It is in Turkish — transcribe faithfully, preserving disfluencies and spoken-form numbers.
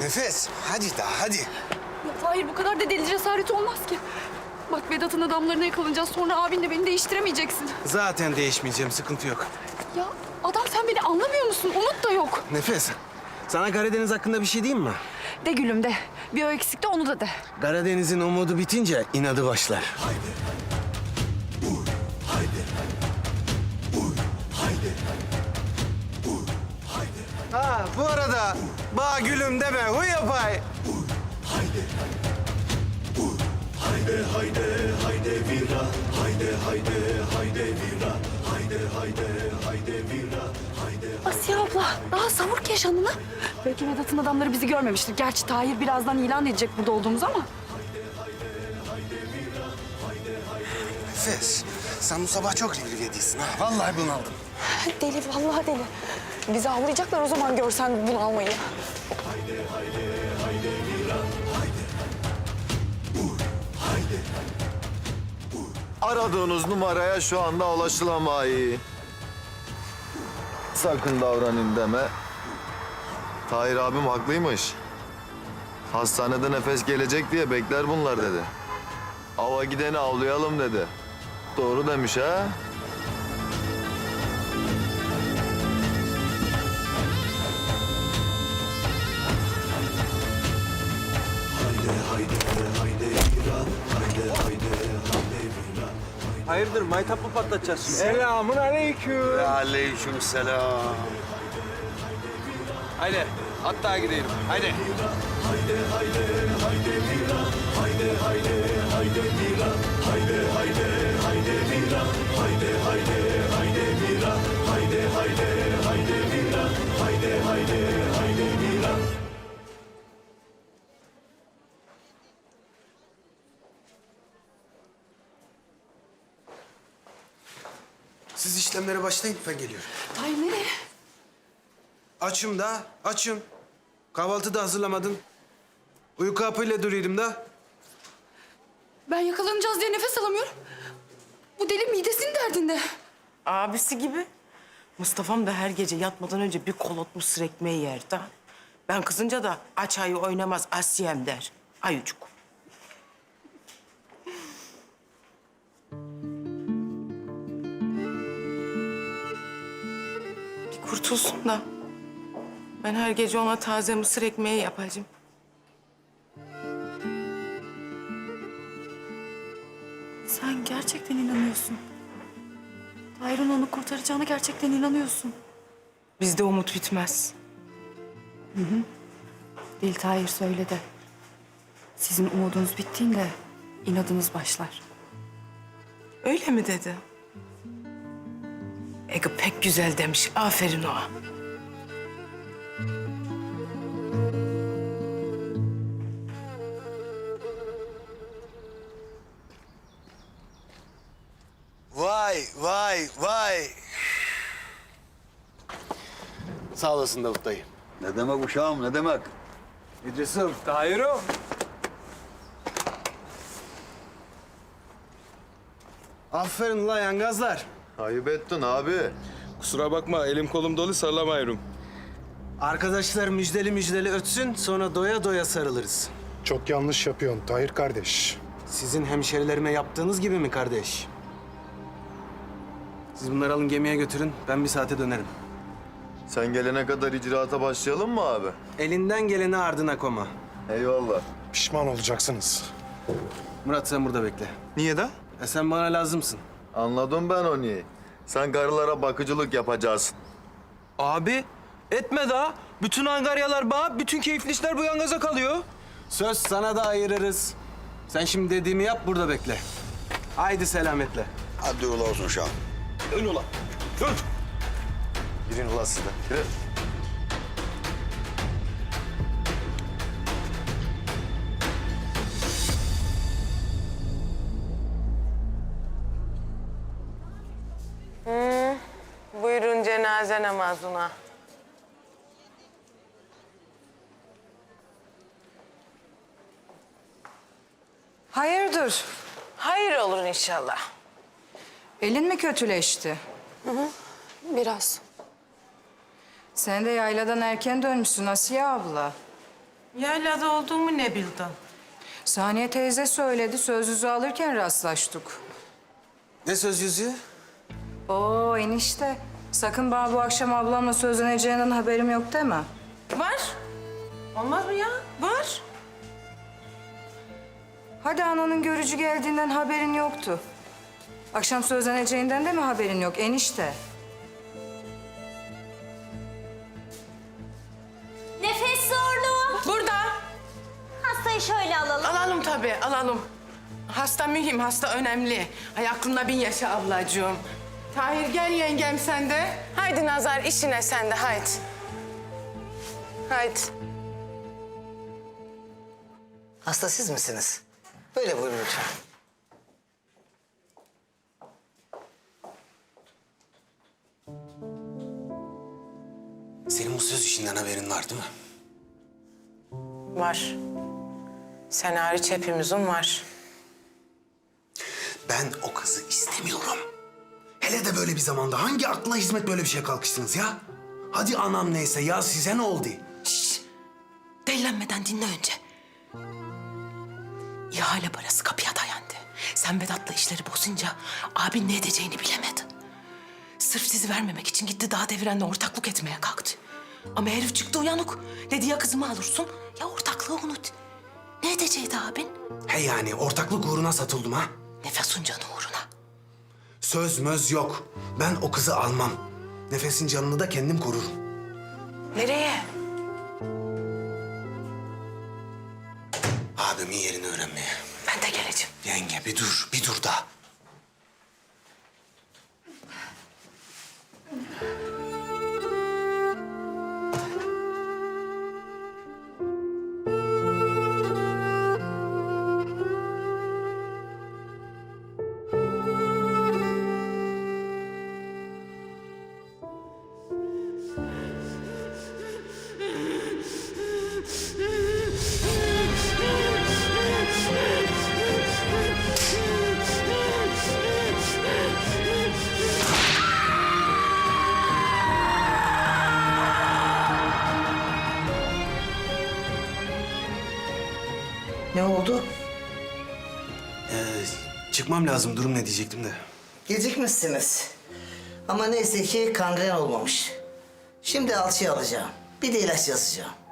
Nefes, hadi daha hadi. Ya Tahir bu kadar da deli cesareti olmaz ki. Bak Vedat'ın adamlarına yakalanacağız. Sonra abinle beni değiştiremeyeceksin. Zaten değişmeyeceğim, sıkıntı yok. Ya adam sen beni anlamıyor musun? Umut da yok. Nefes, sana Karadeniz hakkında bir şey diyeyim mi? De gülüm de. Bir o eksikti onu da de. Karadeniz'in umudu bitince inadı başlar. Ha, bu arada bağ gülüm deme, huy yapay. Haydi haydi haydi vira, haydi haydi haydi vira, haydi haydi haydi vira, haydi. Asiye abla daha savur ki yaşanını. Belki Vedat'ın adamları bizi görmemiştir. Gerçi Tahir birazdan ilan edecek burada olduğumuzu ama. Nefes, sen bu sabah çok livriye değilsin ha. Vallahi bunaldım. Deli vallahi deli. Bizi avlayacaklar o zaman görsen bunu almayı. Aradığınız numaraya şu anda ulaşılamayı. Sakın davranın deme. Tahir abim haklıymış. Hastanede nefes gelecek diye bekler bunlar dedi. Ava gideni avlayalım dedi. Doğru demiş ha? Hayırdır, maytap mı patlatacağız şimdi? Selamun aleyküm. Aleyküm selam. Haydi, hatta gidelim. Haydi. Siz işlemlere başlayın, ben geliyorum. Tahir nereye? Açım da, açım. Kahvaltı da hazırlamadın. Uyku hapıyla duruyorum da. Ben yakalanacağız diye nefes alamıyorum. Bu deli midesinin derdinde. Abisi gibi. Mustafa'm da her gece yatmadan önce bir kolotmuş sır ekmeği yer de. Ben kızınca da aç ayı oynamaz Asiyem der. Ayucuk. Bir kurtulsun da. Ben her gece ona taze mısır ekmeği yapacağım. Sen gerçekten inanıyorsun. Tahir'in onu kurtaracağına gerçekten inanıyorsun. Bizde umut bitmez. Dil Tahir söyledi. Sizin umudunuz bittiğinde inadınız başlar. Öyle mi dedi? Ege pek güzel demiş. Aferin ona. Vay, vay, vay. Sağ olasın Davut dayı. Ne demek uşağım, ne demek? İdris'im. Tahir'im. Aferin la yangazlar. Ayıp ettin abi. Kusura bakma, elim kolum dolu sarılamıyorum. Arkadaşlar müjdeli müjdeli ötsün, sonra doya doya sarılırız. Çok yanlış yapıyorsun Tahir kardeş. Sizin hemşerilerime yaptığınız gibi mi kardeş? Siz bunları alın gemiye götürün, ben bir saate dönerim. Sen gelene kadar icraata başlayalım mı abi? Elinden geleni ardına koma. Eyvallah. Pişman olacaksınız. Murat sen burada bekle. Niye de? E sen bana lazımsın. Anladım ben onu. Sen karılara bakıcılık yapacaksın. Abi, etme daha. Bütün angaryalar bağ, bütün keyifli işler bu yangaza kalıyor. Söz sana da ayırırız. Sen şimdi dediğimi yap, burada bekle. Haydi selametle. Hadi yola olsun uşağım. Ön ulan. Ön. Girin ulan siz de. Girin. Buyurun cenaze namazına. Hayırdır? Hayır olur inşallah. Elin mi kötüleşti? Biraz. Sen de yayladan erken dönmüşsün Asiye abla. Yaylada olduğumu ne bildin? Saniye teyze söyledi. Sözlüğü alırken rastlaştık. Ne söz yüzüğü? Oo enişte. Sakın bana bu akşam ablamla sözleneceğinden haberim yok deme. Var. Olmaz mı ya? Var. Hadi ananın görücü geldiğinden haberin yoktu. Akşam sözleneceğinden de mi haberin yok enişte? Nefes zorluğu. Burada. Hastayı şöyle alalım. Alalım tabii, alalım. Hasta mühim, hasta önemli. Hay aklında bin yaşa ablacığım. Tahir gel yengem sen de. Haydi Nazar işine sen de haydi. Haydi. Hasta siz misiniz? Böyle buyurun lütfen. Senin bu söz işinden haberin var değil mi? Var. Sen hariç hepimizin var. Ben o kızı istemiyorum. Hele de böyle bir zamanda hangi akla hizmet böyle bir şeye kalkıştınız ya? Hadi anam neyse ya size ne oldu? Şşş! Delilenmeden dinle önce. İhale parası kapıya dayandı. Sen Vedat'la işleri bozunca abin ne edeceğini bilemedi. Sırf sizi vermemek için gitti Dağ Deviren'le ortaklık etmeye kalktı. Ama herif çıktı uyanık. Dedi ya kızımı alırsın ya ortaklığı unut. Ne edecekti abin? He yani ortaklık uğruna satıldım ha. Nefesun canı uğruna. Söz möz yok. Ben o kızı almam. Nefesin canını da kendim korurum. Nereye? Abimin yerini öğrenmeye. Ben de geleceğim. Yenge bir dur, bir dur da. Ne oldu? Ee, çıkmam lazım. Durum ne diyecektim de. Gecikmişsiniz. Ama neyse ki kangren olmamış. Şimdi alçıya alacağım. Bir de ilaç yazacağım.